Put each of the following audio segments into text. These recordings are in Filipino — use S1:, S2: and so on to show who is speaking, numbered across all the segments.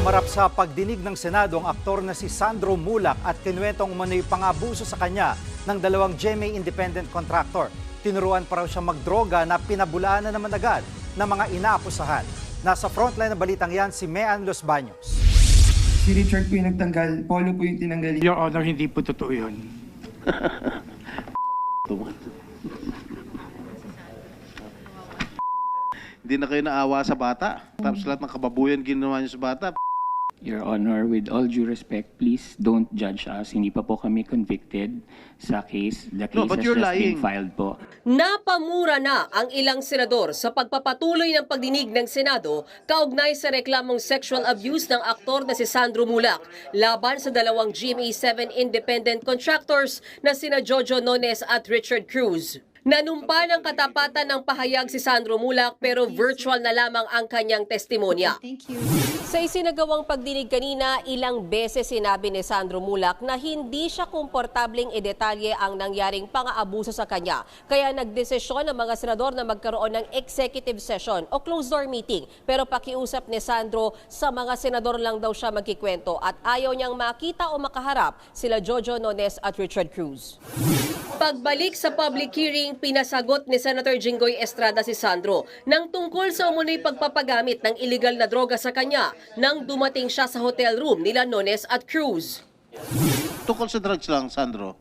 S1: Humarap sa pagdinig ng Senado ang aktor na si Sandro Mulak at kinuwentong umano'y pang-abuso sa kanya ng dalawang GMA independent contractor. Tinuruan pa raw siya magdroga na pinabulaan na naman agad ng mga inaakusahan. Nasa frontline ng balitang yan si Mean Los Baños.
S2: Si Richard po yung nagtanggal, Polo po yung tinanggal.
S3: Your Honor, hindi po totoo yun.
S4: Hindi na kayo naawa sa bata. Tapos lahat ng kababuyan ginawa niyo sa bata.
S5: Your Honor, with all due respect, please don't judge us. Hindi pa po kami convicted sa case. The case
S4: but
S5: has
S4: you're
S5: just been
S4: lying.
S5: filed po.
S6: Napamura na ang ilang senador sa pagpapatuloy ng pagdinig ng Senado kaugnay sa reklamong sexual abuse ng aktor na si Sandro Mulak laban sa dalawang GMA7 independent contractors na sina Jojo Nones at Richard Cruz. Nanumpa ng katapatan ng pahayag si Sandro Mulak pero virtual na lamang ang kanyang testimonya. Sa isinagawang pagdinig kanina, ilang beses sinabi ni Sandro Mulak na hindi siya komportableng idetalye ang nangyaring pang-aabuso sa kanya. Kaya nagdesisyon ang mga senador na magkaroon ng executive session o closed-door meeting. Pero pakiusap ni Sandro, sa mga senador lang daw siya magkikwento at ayaw niyang makita o makaharap sila Jojo Nones at Richard Cruz. Pagbalik sa public hearing, pinasagot ni Senator Jinggoy Estrada si Sandro nang tungkol sa umunoy pagpapagamit ng illegal na droga sa kanya nang dumating siya sa hotel room nila Nones at Cruz.
S4: Tungkol sa drugs lang, Sandro.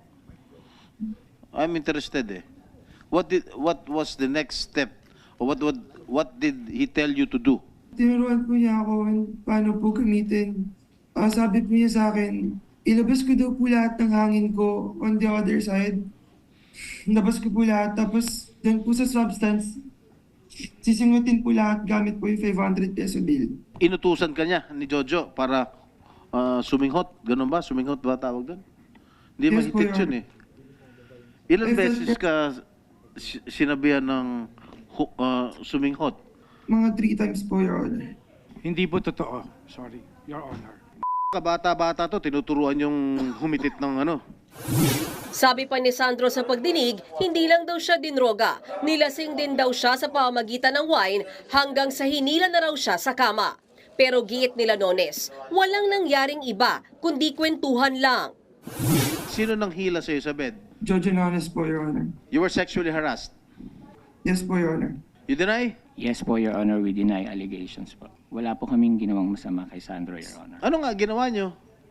S4: I'm interested eh. What was the next step? Or what did he tell you to do?
S2: Tinuruan po niya ako kung paano po gamitin. Sabi po niya sa akin, ilabas ko daw po lahat ng hangin ko on the other side. Labas ko po lahat, tapos doon po sa substance, sisingutin po lahat gamit po yung 500 peso bill.
S4: Inutusan ka niya ni Jojo para suminghot. Ganun ba? Suminghot ba tawag doon? Hindi
S2: Yes, po,
S4: mahitik
S2: Your
S4: yun eh. Ilan
S2: I felt
S4: beses
S2: that-
S4: ka sinabihan ng suminghot?
S2: Mga 3 times po, Your Honor.
S3: Hindi po totoo. Sorry, Your Honor.
S4: Kabata-bata to, tinuturuan yung humitit ng ano.
S6: Sabi pa ni Sandro sa pagdinig, hindi lang daw siya dinroga. Nilasing din daw siya sa pamamagitan ng wine hanggang sa hinila na raw siya sa kama. Pero giit nila Nones, walang nangyaring iba kundi kwentuhan lang.
S4: Sino nang hila sa'yo sa bed?
S2: Jojo Nones po, Your Honor.
S4: You were sexually harassed.
S2: Yes po, Your Honor.
S4: You deny?
S5: Yes po, Your Honor, we deny allegations po. Wala po kaming ginawang masama kay Sandro, Your Honor.
S4: Ano nga ginawa nyo?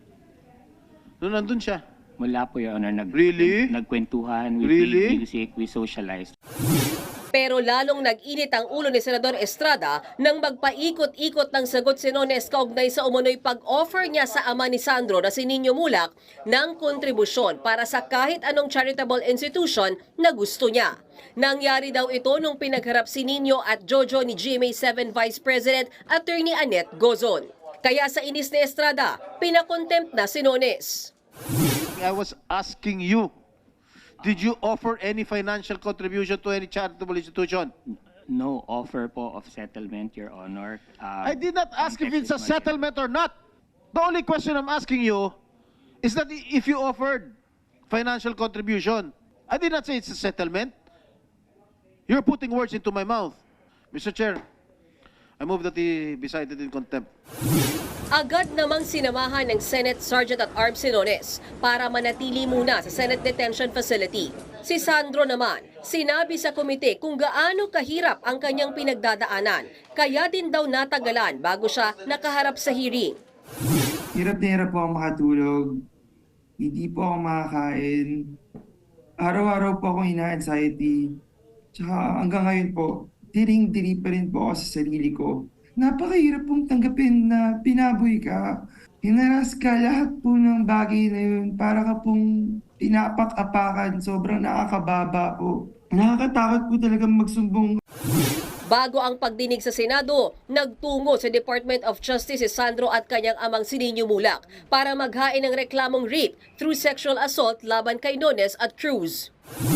S4: Noon nandun siya.
S5: Wala po, Your Honor.
S4: Really?
S5: Nagkwentuhan, we
S4: Really?
S5: played music, we socialized.
S6: Pero lalong nag-init ang ulo ni Senador Estrada nang magpaikot-ikot ng sagot si Nones kaugnay sa umunoy pag-offer niya sa ama ni Sandro na si Nino Mulak ng kontribusyon para sa kahit anong charitable institution na gusto niya. Nangyari daw ito nung pinagharap si Nino at Jojo ni GMA7 Vice President Attorney Annette Gozon. Kaya sa inis ni Estrada, pinakontempt na si Nones.
S4: I was asking you, did you offer any financial contribution to any charitable institution?
S5: No offer po of settlement, Your Honor.
S4: I did not ask if it's a
S5: context is budget.
S4: settlement or not. The only question I'm asking you is that if you offered financial contribution. I did not say it's a settlement. You're putting words into my mouth. Mr. Chair, I move that he be cited in contempt.
S6: Agad namang sinamahan ng Senate Sergeant at Arms si Nones para manatili muna sa Senate Detention Facility. Si Sandro naman, sinabi sa komite kung gaano kahirap ang kanyang pinagdadaanan, kaya din daw natagalan bago siya nakaharap sa hearing.
S2: Hirap na hirap po ako makatulog. Hindi po ako makakain. Araw-araw po akong ina-anxiety. Tsaka hanggang ngayon po, diring-diri pa rin po ako sa sarili ko. Napakahirap pong tanggapin na pinaboy ka. Hinaras ka lahat po ng bagay na yun. Para ka pong pinapak-apakan. Sobrang nakakababa po. Nakakatakot po talagang magsumbong.
S6: Bago ang pagdinig sa Senado, nagtungo sa Department of Justice si Sandro at kanyang amang si Nino Mulak para maghain ng reklamong rape through sexual assault laban kay Nones at Cruz.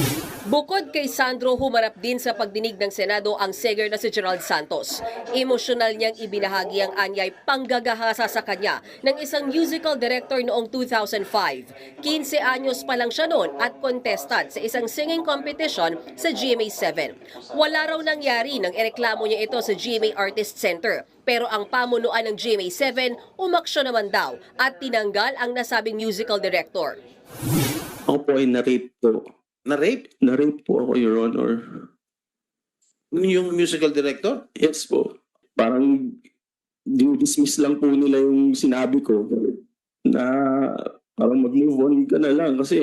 S6: Bukod kay Sandro, humarap din sa pagdinig ng Senado ang seger na si Gerald Santos. Emosyonal niyang ibinahagi ang anyay panggagahasa sa kanya ng isang musical director noong 2005. 15 anyos pa lang siya noon at contestant sa isang singing competition sa GMA7. Wala raw nangyari nang ireklamo niya ito sa GMA Artist Center. Pero ang pamunuan ng GMA7 umaksyon naman daw at tinanggal ang nasabing musical director.
S7: Ako po ay na-rape po.
S8: Na-rape?
S7: Na-rape po ako, Your Honor.
S8: Yung musical director?
S7: Yes po. Parang dismiss lang po nila yung sinabi ko na parang mag-move on ka na lang kasi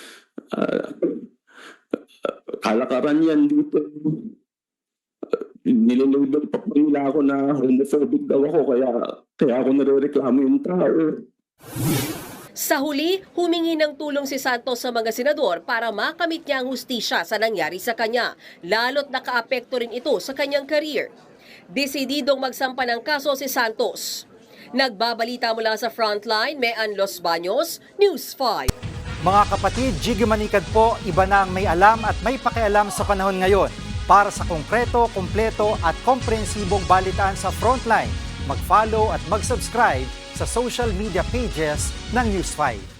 S7: kalakaran yan dito. Nililabel pa po nila ako na homophobic daw ako kaya ako nare-reklamo yung tao.
S6: Sa huli, humingi ng tulong si Santos sa mga senador para makamit niya ang hustisya sa nangyari sa kanya, lalo't nakaapekto rin ito sa kanyang career. Desididong magsampa ng kaso si Santos. Nagbabalita mula sa Frontline, Mean Los Baños, News 5.
S1: Mga kapatid, Jiggy Manikad po, iba na ang may alam at may pakialam sa panahon ngayon. Para sa konkreto, kumpleto at komprehensibong balitaan sa Frontline, mag-follow at mag-subscribe sa social media pages ng News 5.